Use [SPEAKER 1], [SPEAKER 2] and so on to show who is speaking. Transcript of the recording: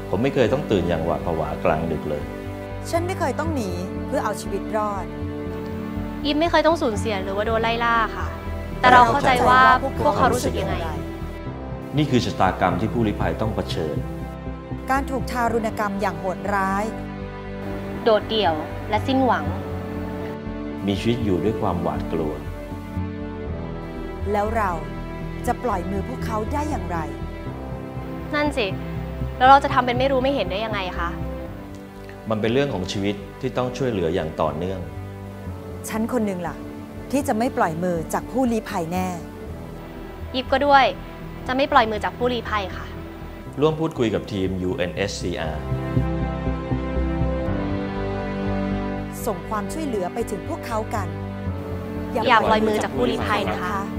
[SPEAKER 1] ผมไม่เคยต้องตื่นอย่างหวาดผวากลางดึกเลย
[SPEAKER 2] ฉันไม่เคยต้องหนีเพื่อเอาชีวิตรอด
[SPEAKER 3] อีฟไม่เคยต้องสูญเสียหรือว่าโดนไล่ล่าค่ะแต่เราเข้าใจว่าพวกเขารู้สึกยังไง
[SPEAKER 1] นี่คือชะตากรรมที่ผู้ลี้ภัยต้องเผชิญ
[SPEAKER 2] การถูกทารุณกรรมอย่างโหดร้าย
[SPEAKER 3] โดดเดี่ยวและสิ้นหวัง
[SPEAKER 1] มีชีวิตอยู่ด้วยความหวาดกลัว
[SPEAKER 2] แล้วเราจะปล่อยมือพวกเขาได้อย่างไร
[SPEAKER 3] นั่นสิแล้วเราจะทำเป็นไม่รู้ไม่เห็นได้ยังไงคะ
[SPEAKER 1] มันเป็นเรื่องของชีวิตที่ต้องช่วยเหลืออย่างต่อเนื่อง
[SPEAKER 2] ฉันคนหนึ่งล่ะที่จะไม่ปล่อยมือจากผู้ลี้ภัยแน่
[SPEAKER 3] ยิบก็ด้วยจะไม่ปล่อยมือจากผู้ลี้ภัยค่ะ
[SPEAKER 1] ร่วมพูดคุยกับทีม UNSCR
[SPEAKER 2] ส่งความช่วยเหลือไปถึงพวกเขากัน
[SPEAKER 3] อย่าปล่อยมือจากผู้ลี้ภัยนะคะ